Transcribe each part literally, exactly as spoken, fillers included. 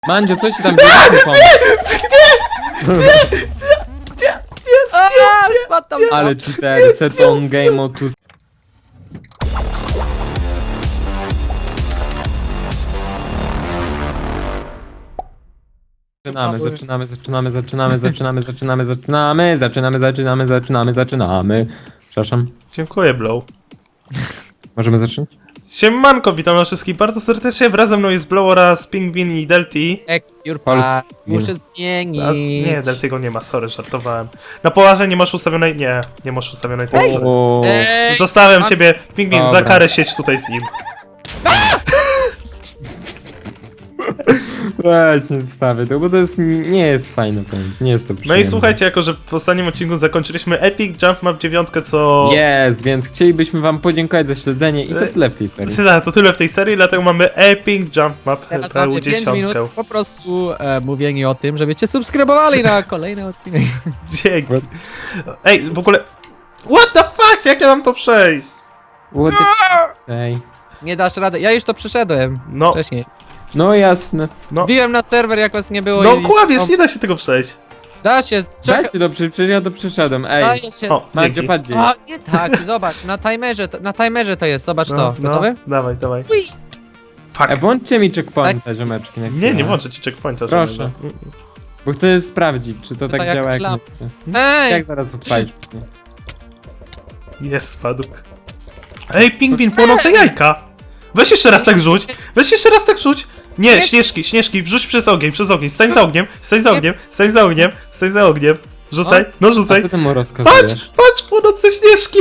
Mandzio, co się tam dzieje? Nie, nie, jest, jest, Spadł tam. Ale cheater, set on game mode tu. Zaczynamy, zaczynamy, zaczynamy, zaczynamy, zaczynamy, zaczynamy, zaczynamy, zaczynamy, zaczynamy, zaczynamy, zaczynamy. Przepraszam, Dziękuję, Blow. możemy zacząć? Siemanko, witam was wszystkich bardzo serdecznie. Wraz ze mną jest Blow oraz Pingwin i Delty. Jurpa, muszę zmienić. A, nie, Deltiego nie ma, sorry, żartowałem. Na poważnie nie masz ustawionej... Nie, nie masz ustawionej tekstury. O, Ej, Zostawiam mam- ciebie, Pingwin, za Dobra. karę siedź tutaj z nim. właśnie stawię to, bo to jest, nie jest fajne, powiem ci, nie jest to No i przyjemne. słuchajcie, jako że w ostatnim odcinku zakończyliśmy Epic Jump Map dziewięć, co... Jest, więc chcielibyśmy wam podziękować za śledzenie i to tyle w tej serii. Tak, to tyle w tej serii, dlatego mamy Epic Jump Map Teraz P mamy pięć minut dziesięć. po prostu e, mówienie o tym, żebyście subskrybowali na kolejny odcinek. Dzięki. Ej, w ogóle... What the fuck, jak ja mam to przejść? What the say? Nie dasz rady. Ja już to przeszedłem No, wcześniej. No jasne. no... Wbiłem na serwer, jak was nie było No i... kławiesz, nie da się tego przejść. Da się, czekaj. Weź się to, przy- przecież ja to przeszedłem, ej. Daje się. O, Mandzio, dzięki. patrz gdzieś. A, nie tak, zobacz, na timerze, to, na timerze to jest, zobacz to. No, Gotowy? no, dawaj, dawaj. Ui. Fuck. E, włączcie mi checkpointa, Tak. ziomeczki. na Nie, chwilę. nie włączę ci checkpointa. Proszę. żadnego. Mm, Bo chcę sprawdzić, czy to to tak jakaś działa jak... lampa. nie. Ej! Jak zaraz odpalić? Jest, spadł. Ej, pingwin, płonące jajka! Weź jeszcze raz tak rzuć! Weź jeszcze raz tak rzuć! Nie, Nie. śnieżki, śnieżki, wrzuć przez ogień, przez ogień, stań za ogniem, stań za Nie. ogniem, stań za ogniem, stań za ogniem. Rzucaj, no A rzucaj. co ty mu Patrz, rozkazujesz? patrz, płonące śnieżki!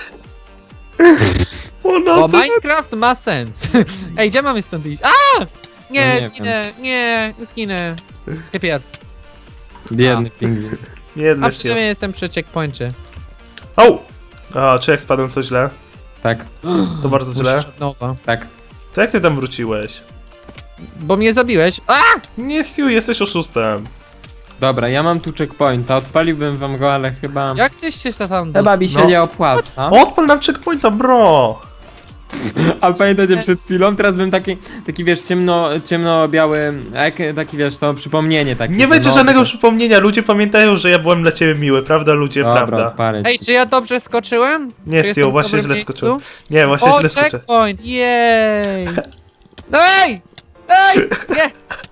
Bo Płonące śnieżki! Minecraft ma sens. Ej, gdzie mamy stąd iść? A! Nie, No nie zginę, nie, zginę. Ty pierw. Biedny pingwin. Jedny A się. przynajmniej jestem przy checkpoincie. O! A, czy jak spadłem to źle? Tak, To bardzo źle. Muszę od nowa. tak. To jak ty tam wróciłeś? Bo mnie zabiłeś. A! Nie, Stu, jesteś oszustem. Dobra, ja mam tu checkpointa, odpaliłbym wam go, ale chyba... Jak chcesz się tam Chyba mi się No. nie opłaca. Odpal nam checkpointa, bro! A pamiętacie przed chwilą? Teraz bym taki, taki wiesz, ciemno, ciemno-biały, jak, taki wiesz, to przypomnienie takie. Nie że będzie no, żadnego to- przypomnienia, ludzie pamiętają, że ja byłem dla ciebie miły, prawda ludzie, Dobra, prawda? odpalę Ej, ci. czy ja dobrze skoczyłem? Nie, Czy Stu, jestem w właśnie dobrym źle miejscu? skoczyłem. Nie, właśnie O, źle skoczę. checkpoint, jej! No ej! Ej! Nie!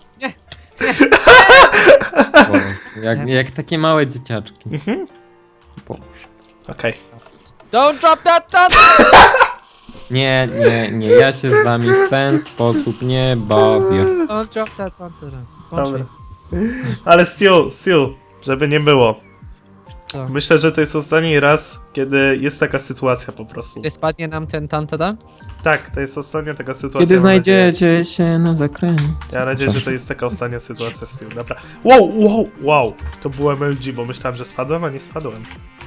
Boże, Jak, jak takie małe dzieciaczki. Mhm. Boże. Okej. Don't drop that that! Nie, nie, nie, ja się z wami w ten sposób nie bawię. Don't drop that pancerza. Dobra. Ale Stu, Stu, żeby nie było. Co? Myślę, że to jest ostatni raz, kiedy jest taka sytuacja po prostu. Czy spadnie nam ten tantada? Tak, to jest ostatnia taka sytuacja. Kiedy mam nadzieję. znajdziecie się na zakręcie. Ja mam nadzieję, że to jest taka ostatnia sytuacja, Stu. Dobra. Wow, wow, wow. To było M L G, bo myślałem, że spadłem, a nie spadłem.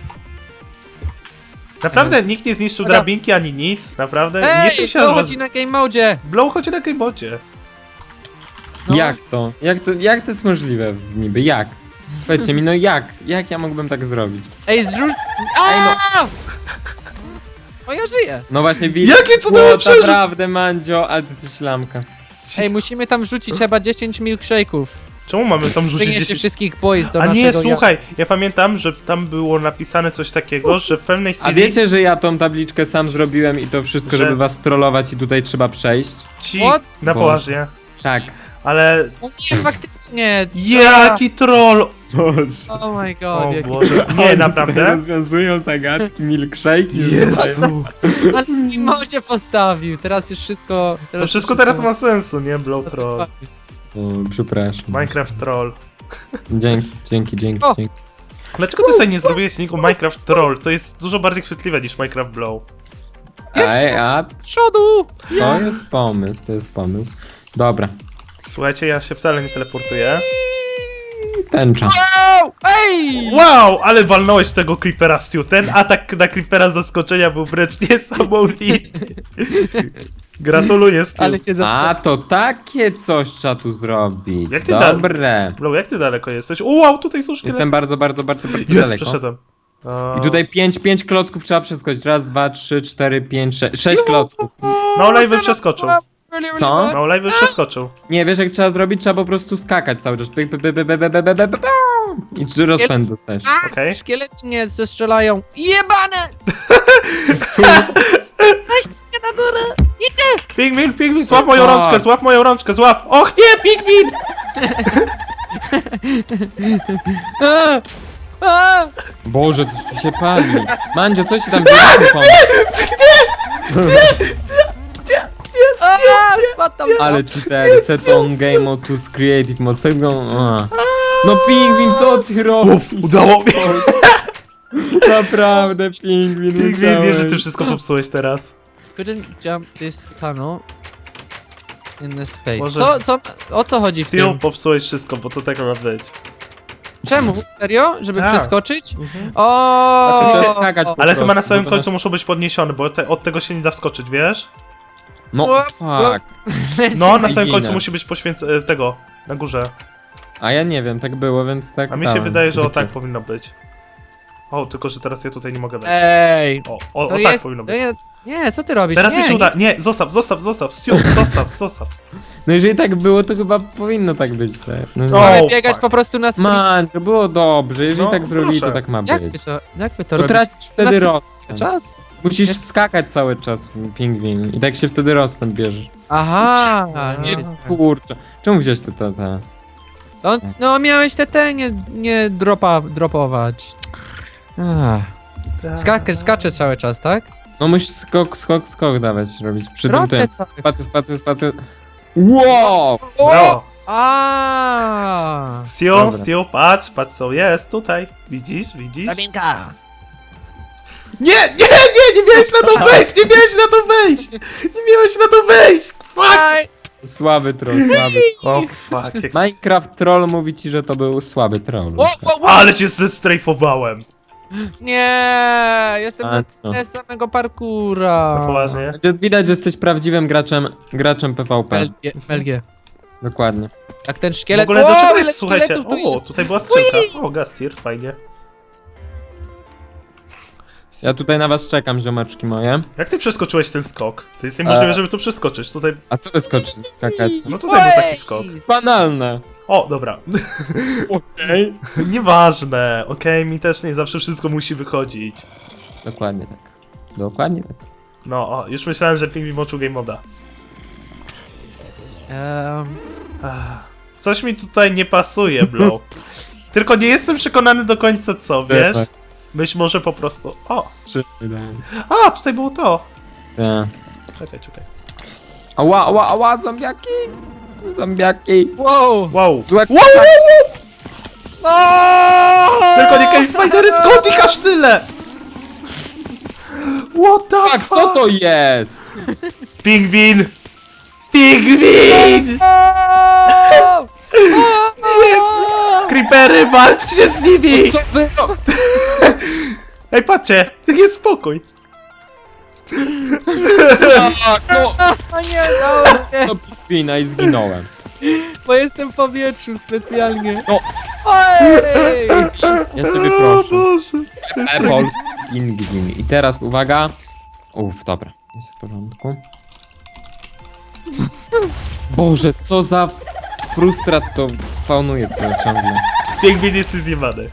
Naprawdę nikt nie zniszczył Dobra. drabinki ani nic, naprawdę. nie Ej! jestem się To aż was... chodzi na game mode! Blow chodzi na gamebocie. No. Jak to? Jak to? Jak to jest możliwe niby? Jak? Powiedzcie mi, no jak? Jak ja mógłbym tak zrobić? Ej, zrzuć... Aaaa! O, ja żyję! No właśnie widzę. Jakie cudowe Było przeżyć! naprawdę, Mandzio, ale ty jesteś lamka. Ej, musimy tam wrzucić chyba dziesięć milkshake'ów. Czemu mamy tam rzucić Przyniesie dziesięć... wszystkich boys do A naszego... nie, słuchaj, ja pamiętam, że tam było napisane coś takiego, że w pewnej chwili A wiecie, że ja tą tabliczkę sam zrobiłem i to wszystko, Że- żeby was trollować i tutaj trzeba przejść? ci... What? Na Boże. poważnie. Tak. Ale... O nie, faktycznie! Jaki troll! Boże. Oh my god, O jaki... Boże, nie, naprawdę? Rozwiązują zagadki, milkshake. Jezu. Ale w modzie postawił, teraz już wszystko... To wszystko teraz ma sensu, nie? Blow troll. O, przepraszam. Minecraft troll. Dzięki, dzięki, dzięki, O! dzięki. Dlaczego ty sobie nie zrobiłeś niku Minecraft troll? To jest dużo bardziej chwytliwe niż Minecraft blow. Ej, a Z przodu! to jest pomysł, to jest pomysł. Dobra, Słuchajcie, ja się wcale nie teleportuję. tęcza. Wow! Ej! Wow, ale walnąłeś tego creepera, Stu. Ten atak na creepera z zaskoczenia był wręcz niesamowity. Gratuluję, Stu. Ale się A, zaskoczył. to takie coś trzeba tu zrobić. Jak ty da- Dobre. Blow, jak ty daleko jesteś? O, wow, tutaj są szkielety. Jestem bardzo, bardzo, bardzo, bardzo Jest, daleko. przeszedłem. O. I tutaj pięć, pięć klocków trzeba przeskoczyć. Raz, dwa, trzy, cztery, pięć, sześć. Sześć klocków. No, live przeskoczył. really, really Co? bad. No, live przeskoczył. Nie, wiesz jak trzeba zrobić? Trzeba po prostu skakać cały czas. Pyk, pyk, pyk, pyk, pyk, pyk, pyk, pyk, pyk, pyk. I trzy rozpęd dostajesz. A, Okej. Szkielety mnie zestrzelają. Jebane! Weźcie na górę! Idzie! Pingwin, pingwin, złap moją fuck? rączkę, złap moją rączkę, złap! Och nie, pingwin! A! A! Boże, coś tu się pali. Mandzio, coś ci tam bierze pomóc. A! Spadł tam. Ale cheater, set on game mode to creative mode. Set go... a. No pingwin, co ty robisz? Udało mi! Naprawdę, pingwin, Pingwin, wiesz, że ty musiałeś. wszystko popsułeś teraz. Couldn't jump this tunnel in the space. Może- Co, co, o co chodzi w Steel, tym? popsułeś wszystko, bo to tak ma być. Czemu? Serio? Żeby Tak. przeskoczyć? Mhm. O! Znaczy, przeskakać po Ale chyba na prostu, samym bo to końcu muszą być podniesione, bo te, od tego się nie da wskoczyć, wiesz? No, fuck. No, na samym Ginę. końcu musi być poświęcone tego, na górze. A ja nie wiem, tak było, więc tak A mi się dałem. wydaje, że o Takie. tak powinno być. O, tylko że teraz ja tutaj nie mogę wejść. Ej! O, o, o To tak jest... powinno To być. jest... Nie, co ty robisz? Teraz nie, mi się uda. Nie, zostaw, zostaw, zostaw, Stu, zostaw, zostaw. No jeżeli tak było, to chyba powinno tak być, tak? No, O, nie. Mamy biegać fuck. po prostu na sprint. Man, to było dobrze, jeżeli No, tak zrobili, proszę. to tak ma Jak wy być. to, jak wy to To robicie? tracisz wtedy Na- rozpęd. Czas? Musisz Jest- skakać cały czas, pingwin. I tak się wtedy rozpęd bierzesz. Aha! Nie, Nie, kurczę. Czemu wziąłeś te, te, te? no, no miałeś te te nie, nie dropa, dropować. Ach. Skaczę, skaczę cały czas, tak? No musisz skok, skok, skok dawać robić. Przy tym Robię tym. tak. Spacy, spacy, spacy. Wow! Brawo. A. Stu, Dobra. Stu, patrz, patrz co jest tutaj. Widzisz, widzisz? Drabinka! Nie, nie, nie, nie miałeś na to wejść, nie miałeś na to wejść! Nie miałeś na to wejść! Fuck! Aj! Słaby troll, słaby. O fuck, jak... Minecraft troll mówi ci, że to był słaby troll. O, o, o. Ale cię zestrajfowałem! Nie! Jestem A na co? tle samego parkura. Poważnie? Widać, że jesteś prawdziwym graczem, graczem P V P. Melgie, Melgie. Dokładnie. Jak ten W szkielet... ogóle do O, czego ile jest, słuchajcie? szkieletów tu O, jest. tutaj była skrzynka. O, Gastir, fajnie. Ja tutaj na was czekam, ziomeczki moje. Jak ty przeskoczyłeś ten skok? To jest niemożliwe, E. żeby tu przeskoczyć. Tutaj, A co wy skoczyć, skakać? no tutaj był taki skok. Banalne. O, dobra. Okej. Nieważne, okej, mi też nie zawsze wszystko musi wychodzić. Dokładnie tak. Dokładnie tak. No, o, już myślałem, że Pingwin moczył game moda. Um, Ach, coś mi tutaj nie pasuje, Blow. Tylko nie jestem przekonany do końca co, wiesz? Tak. Być może po prostu... O! Trzy, wydaje. A, tutaj było to! Tak. Czekaj, czekaj. Ała, ała, ała, zombiaki! Zombiaki! wow! Wow! Złe Wow, wow, wow! No! Tylko nie Cave Spidery, skąd ich aż tyle? What the Tak, fuck? co to jest? Pingwin! Pingwin! O! Creepery, walczcie z nimi! Co wy? Ej, patrzcie, jest spokój. Tak, no! O nie, no, nie, To pingwina i zginąłem. bo jestem w powietrzu specjalnie. No. Oj! Ja ciebie O proszę. Boże. Apples pingwin. I teraz uwaga. Uff, dobra. Jest w porządku. Boże, co za frustrat to spawnuje to ciągle. Pingwin jesteś zjebany.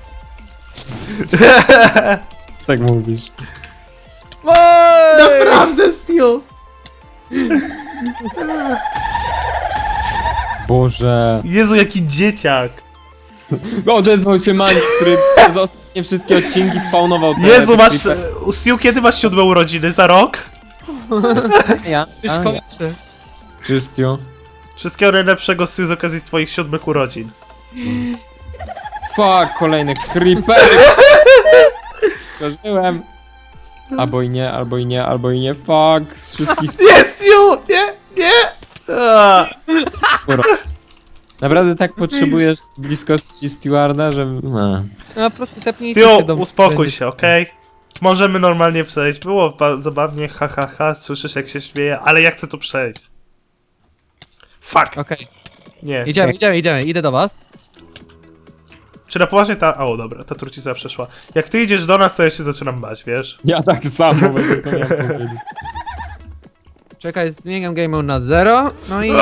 Tak mówisz. Oj! Naprawdę, Steel! Boże. Jezu, jaki dzieciak! Odezwał się Mani, który za ostatnie wszystkie odcinki spawnował te... Jezu, te masz... creeper- Steel, kiedy masz siódme urodziny? Za rok? Ja? Już A, ja. kończę. Czystio. Wszystkiego najlepszego, Steel, z okazji twoich siódmych urodzin. Fuck, kolejny creeper. Przeżyłem. Albo i nie, albo i nie, albo i nie. Fuck. Wszystkich Nie, Steel! Nie, nie! A. skóro. Naprawdę tak potrzebujesz bliskości stewarda, że... No. No po prostu tepnijcie się Steel, do mnie. uspokój Będzie- się, okej? Możemy normalnie przejść. Było ba- zabawnie, ha, ha, ha, słyszysz jak się śmieje, ale ja chcę to przejść. Fuck! Okej, Nie. idziemy, idziemy, idziemy, idę do was. Czy na poważnie ta... O, dobra, ta trucica przeszła. Jak ty idziesz do nas, to ja się zaczynam bać, wiesz? Ja tak samo będę to miał powiedzieć. Czekaj, zmieniam game mode na zero. No i...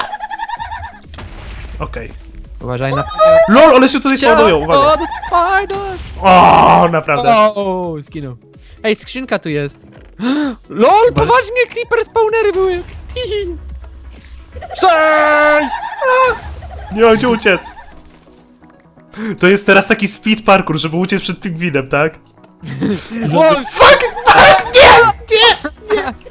Okej. Uważaj na... LOL, one się tutaj spawnują, uwaga. O, the spiders! O, naprawdę. O, skinął. Ej, skrzynka tu jest. LOL, poważnie, creeper spawnery były. Tihi. Cześć! Nie mam gdzie uciec. To jest teraz taki speed parkour, żeby uciec przed pingwinem, tak? O, Fuck! Fuck! Nie! Nie! Nie!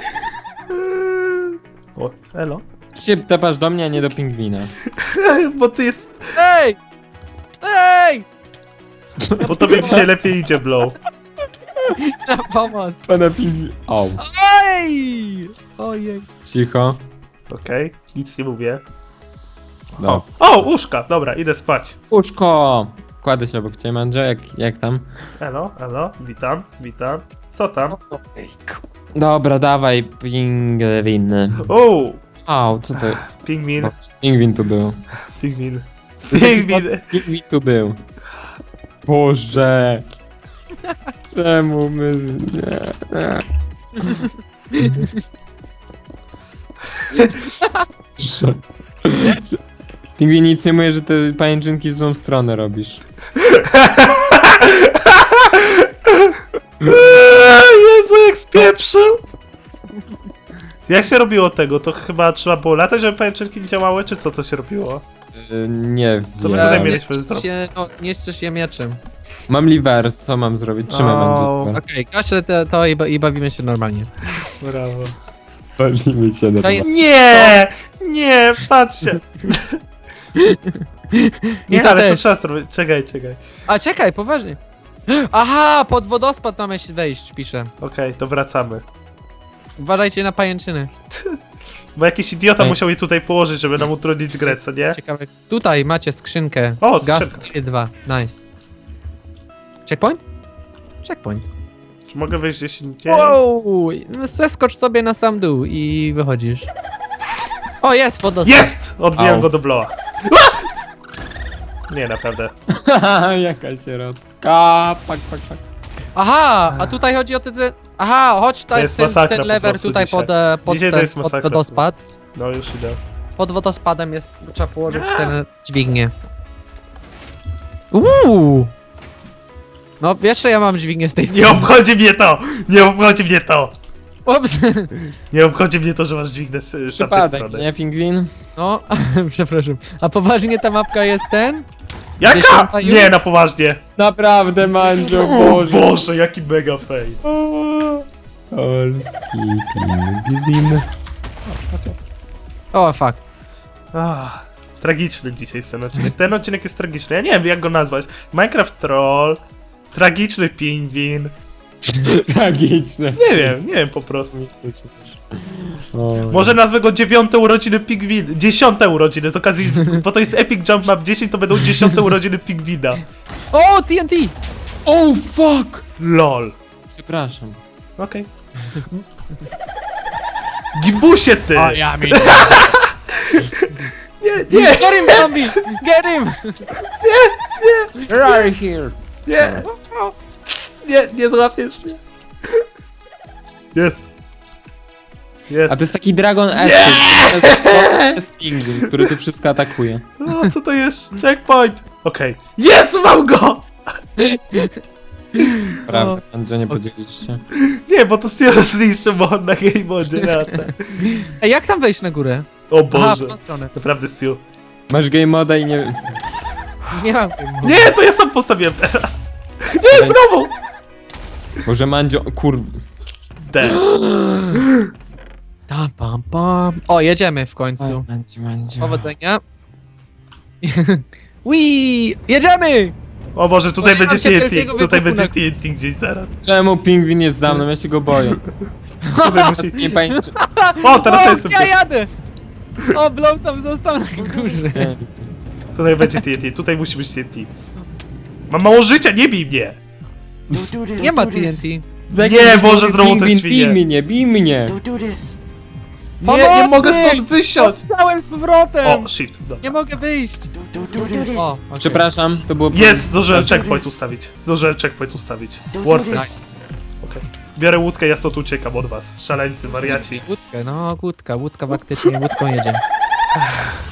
O, elo. Ty się tepasz do mnie, a nie do pingwina. Bo ty jest... ej! Ej! Bo tobie dzisiaj lepiej idzie, Blow. Na pomoc. Pana pingwin... O, Ej! Ojej. cicho. Okej, nic nie mówię. No. O, łóżka! Dobra, idę spać. Łóżko! Kładę się obok ciebie, Mandzio, jak, jak tam? Elo, elo, witam, witam. Co tam? Dobra, dawaj, pingwin. O, Au, co to... pingwin, O, pingwin tu był. pingwin. Pingwin. Pingwin tu był. Boże! Czemu my... z- Nie, nie. Że- że- Pingwin nic nie mówi, że te pajęczynki w złą stronę robisz. Jezu, jak spieprzył! Jak się robiło tego? To chyba trzeba było latać, żeby pajęczynki nie działały, czy co to się robiło? Yy, nie Co my wiem. tutaj Nie mieliśmy niszczysz zrobić? się, no, nie niszczysz je mieczem. Mam liver, co mam zrobić? Trzymaj, O. będzie. Okej, gaszę to, to i, ba- i bawimy się normalnie. Brawo. Palimy się na To jest- Nie! Nie, patrzcie! I Nie, to ale co też. trzeba zrobić? Czekaj, czekaj. A czekaj, poważnie. Aha, pod wodospad mamy się wejść, pisze. Okej, to wracamy. Uważajcie na pajęczyny. Bo jakiś idiota Ej. musiał je tutaj położyć, żeby nam utrudnić grę, co nie? Ciekawe. Tutaj macie skrzynkę. O, Gaz skrzynka. dwa. Nice. Checkpoint? Checkpoint. Czy mogę wyjść gdzieś indziej? Wow! Zeskocz sobie na sam dół i wychodzisz. O, jest wodospad. Jest! Odbijam Au. go do bloła. Nie, naprawdę. Jaka środka. Pak, pak, pak. Aha, a tutaj chodzi o te... te- Aha, chodź tutaj jest ten, masakra ten po lever prostu tutaj dzisiaj. pod, e, pod, Dzisiaj to ten, jest pod masakra, wodospad. No już idę. Pod wodospadem jest, trzeba położyć ten dźwignię. Uuu! No, jeszcze ja mam dźwignię z tej Nie strony. obchodzi mnie to! Nie obchodzi mnie to! Ups. Nie obchodzi mnie to, że masz dźwignę z, z tamtej Przypadek, strony. nie, pingwin? No, przepraszam. A poważnie ta mapka jest ten? Jaka? Dziesiąta już? Nie, na poważnie. Naprawdę, Mandzio, O Boże. Boże, jaki mega fail. Polski pingwin. O, fuck. Ah, tragiczny dzisiaj jest ten odcinek. Ten odcinek jest tragiczny. Ja nie wiem, jak go nazwać. Minecraft Troll, tragiczny pingwin. Tragiczne. Nie wiem, nie wiem po prostu. O. Może nazwę go dziewiąte urodziny pingwin. Dziesiąte urodziny z okazji, bo to jest Epic Jump Map dziesięć, to będą dziesiąte urodziny pingwina. O, T N T! Oh, fuck! LOL. Przepraszam. Okej. Gibusie ty! ja mi. Nie, nie, Get him, zombie! Get him! Where are you here? nie! Nie, nie złapiesz mnie. Jest. Jest. A to jest taki Dragon S. To jest pingwin, który tu wszystko atakuje. O, co to jest? Checkpoint! Okej. Jest, mam go! Prawda, Mandzio, nie podzieliście. Nie, bo to Steel zniszczy mod na game modzie. lata. Ej, jak tam wejść na górę? O Aha, Boże. w tą stronę. Naprawdę Steel. Masz game moda i nie... Nie mam. Nie, to ja sam postawiłem teraz. Nie, znowu! Boże, Mandzio, kur... D. Tam, pam, pam. O, jedziemy w końcu. Mandzio, Mandzio. Powodzenia. Wii! Jedziemy! O Boże, tutaj O, nie będzie mam się T N wielkiego T. Tutaj wybuchu będzie na T N T gdzieś zaraz. Czemu pingwin jest za mną? Ja się go boję. Tutaj musi... Nie pamiętam. O, teraz o, ja jestem ja tu. jadę! O, Blow tam został na górze. Tutaj będzie T N T. Tutaj musi być T N T. Mam mało życia, nie bij mnie! Nie ma T N T. Nie, Boże, znowu te Pingwin, świnie. bij mnie, bij mnie. Nie, nie Pomocy! mogę stąd wysiąść! Chciałem z powrotem! O, shift, dobra. Nie mogę wyjść! O, okay. Przepraszam, to było... Jest, zdążyłem checkpoint ustawić. Zdążyłem checkpoint ustawić. Worth it. Nice. Okej. Biorę łódkę, ja stąd uciekam od was. Szaleńcy, wariaci. Łódkę, no łódka, łódka faktycznie, łódką jedzie.